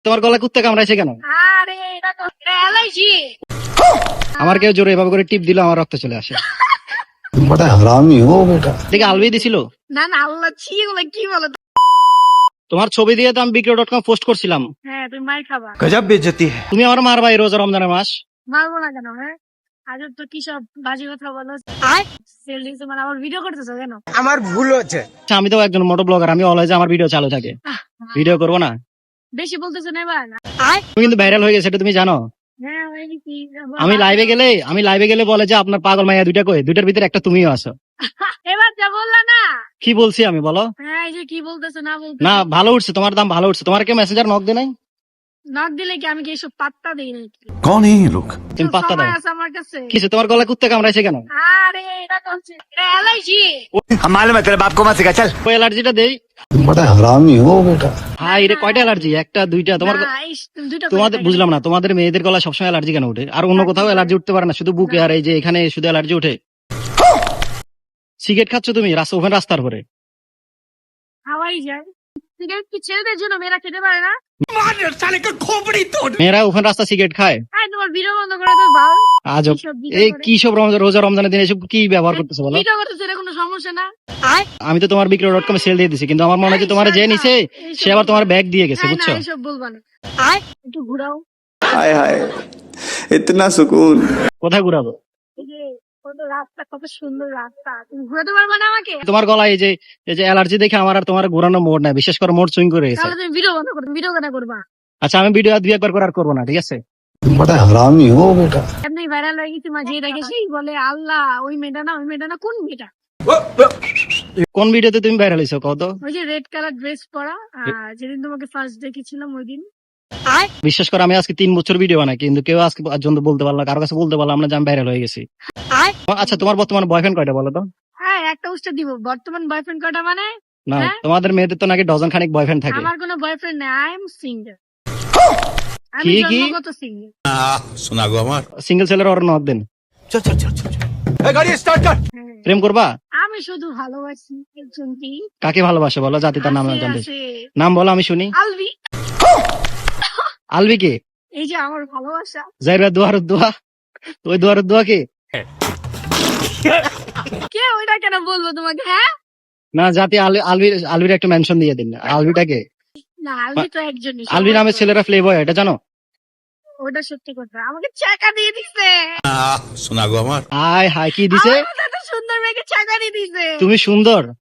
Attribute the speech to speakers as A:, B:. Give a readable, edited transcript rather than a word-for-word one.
A: তোমার গলায় কুত্তা কামড়াইছে কেন?
B: আরে এটা তো অ্যালার্জি।
A: আমার কেউ জোরে এভাবে করে টিপ দিল আমার রক্ত চলে আসে।
C: बड़ा हरामी हो बेटा।
A: দেখে আলবি দিছিল।
B: না না আল্লাহ ছি এগুলো কি বলো?
A: তোমার ছবি দিয়ে তো আমি বিক্রয়.com পোস্ট করছিলাম।
B: হ্যাঁ তুমি মার খাবা।
C: गजब बेइज्जती है।
A: তুমি আমার মারবা এই রোজা রমজানের মাস।
B: মারবো না কেন? হ্যাঁ আজ তো কি সব বাজে কথা বলো। সেল দিছো মানে আমার ভিডিও করতেছো কেন?
C: আমার ভুল হচ্ছে।
A: আচ্ছা, আমি তো একজন মোটো ব্লগার, আমি অলওয়েজ আমার ভিডিও চালু থাকে। ভিডিও করবো না?
B: বেশি বলতেছো না এবার।
A: তুমি কিন্তু ভাইরাল হয়ে গেছে, এটা তুমি জানো?
B: হ্যাঁ ওই কি
A: আমি লাইভে গেলে বলে যে আপনার পাগল মাইয়া দুইটা কই, দুইটার ভিতরে একটা তুমিও আছো।
B: এবার যা বললা না।
A: কি বলছি আমি বলো?
B: হ্যাঁ এই যে কি বলতেছো না বলতে
A: না ভালো উঠছে, তোমার দাম ভালো উঠছে। তোমার কেউ মেসেঞ্জার নক দে নাই?
B: নক দিলে কি আমি কি এসব পাত্তা দিই নাকি?
C: कौन है ये लोग?
A: তুমি পাত্তা দাও।
B: সময় আছে আমার কাছে।
A: কিছু তোমার গলায় কুত্তা কামড়াইছে কেন?
B: আরে এটা তো অ্যালার্জি।
C: हम मालूम है तेरे बाप को मत सिखा चल।
A: ওই অ্যালার্জিটা দেই।
C: बड़ा हरामी हो बेटा।
A: হাই রে, কয়টা অ্যালার্জি? একটা দুইটা? তোমার
B: দুইটা
A: তোমাদের বুঝলাম না, তোমাদের মেয়েদের গলায় সবসময় অ্যালার্জি কেন উঠে? আর অন্য কোথাও অ্যালার্জি উঠতে পারে না, শুধু বুকে আর এই যে এখানে শুধু অ্যালার্জি উঠে। সিগারেট খাচ্ছ তুমি ওখানে রাস্তার পরে?
B: হাওয়াই যায়। সিগারেট কি ছেলেদের জন্য মেয়েরা খেতে পারে না?
A: মেয়েরা ওখানে রাস্তা সিগারেট খায়?
B: হ্যাঁ তোমার ভিডিও বন্ধ করে দাও ভাই।
A: আজব। এই কি সব রোজা রমজানের দিনে এসব কি ব্যবহার করতেছো বলো?
B: ভিডিও করতেছে এটা কোনো সমস্যা না।
A: আমি তো তোমার বিক্রয়.com সেল দিয়ে দিছি, কিন্তু আমার মনে হয় যে তোমার যে নিছে সে আবার তোমার ব্যাগ দিয়ে গেছে,
B: না না
A: বুঝছো?
B: এসব বলবা না। একটু ঘুরাও।
D: हाय हाय इतना सुकून।
A: কোথায় ঘুরাবো?
B: এই যে কত রাস্তা, কত সুন্দর রাস্তা, তুমি ঘুরাতে পারবা না আমাকে?
A: তোমার গলায় এই যে অ্যালার্জি দেখে আমার আর তোমার ঘোরানো মোড় নাই, বিশেষ করে মোড় সুইং করে গেছে।
B: তাহলে তুমি ভিডিও বন্ধ করো, ভিডিও কেন করবা?
A: আচ্ছা, আমি ভিডিও দুই একবার করে আর করবো না, ঠিক আছে?
C: बड़ा हरामी हो बेटा।
B: এমনি ভাইরাল হয়ে গেছি মাঝে দেখে সেই বলে আল্লাহ ওই মেয়েটা না, ওই মেয়েটা না, কোন মেয়েটা?
A: কোন ভিডিওতে তুমি ভাইরাল হইছো কত?
B: ওই যে রেড কালার ড্রেস পরা, যেদিন তোমাকে ফার্স্ট দেখেছিলাম ওই দিন।
A: বিশ্বাস করে আমি আজকে 3 বছর ভিডিও বানাই, কিন্তু কেউ আজকে পর্যন্ত বলতে পারলো না, কারো কাছে বলতে পারলাম না যে আমি ভাইরাল হয়ে গেছি। আচ্ছা, তোমার বর্তমান বয়ফ্রেন্ড কয়টা বলো তো?
B: হ্যাঁ একটা উষ্টা দিব। বর্তমান বয়ফ্রেন্ড কটা মানে?
A: না,
B: হ্যাঁ?
A: তোমাদের মেয়েদের তো নাকি ডজন খানিক বয়ফ্রেন্ড থাকে।
B: আমার কোনো বয়ফ্রেন্ড নেই, আই এম সিঙ্গেল। আমি
A: কি কি?
B: জন্মগত সিঙ্গেল।
C: सुना गो हमार।
A: সিঙ্গেল ছেলের ওর নক দেন।
C: चल चल चल चल। ए गाड़ी स्टार्ट कर।
A: প্রেম করবা?
B: আমি শুধু ভালোবাসি একজনকে।
A: কাকে ভালোবাসো বলো, জাতি তার নাম
B: আছে,
A: জানতে।
B: আছে।
A: নাম বলো, আমি শুনি।
B: আলভি।
A: আলবি কে?
B: এই যে আমার ভালোবাসা।
A: জাইরা দুয়ার দোয়া, ওই দুয়ার দোয়া কে?
B: কে ওইটা কেন বলবো তোমাকে? হ্যাঁ
A: না, জাতি আলবির একটা মেনশন দিয়ে দিন। আলবিটা কে?
B: না আলভি তো একজনই।
A: আলবি নামের ছেলেরা প্লে বয়, এটা জানো?
B: ওটা সত্যি কথা, আমাকে চাকা দিয়ে দিছে।
C: सुना गो हमार।
A: হাই হাই, কি দিছে?
B: আমার মতো এত সুন্দর মেয়েকে চাকা দিয়ে দিছে।
A: তুমি সুন্দর?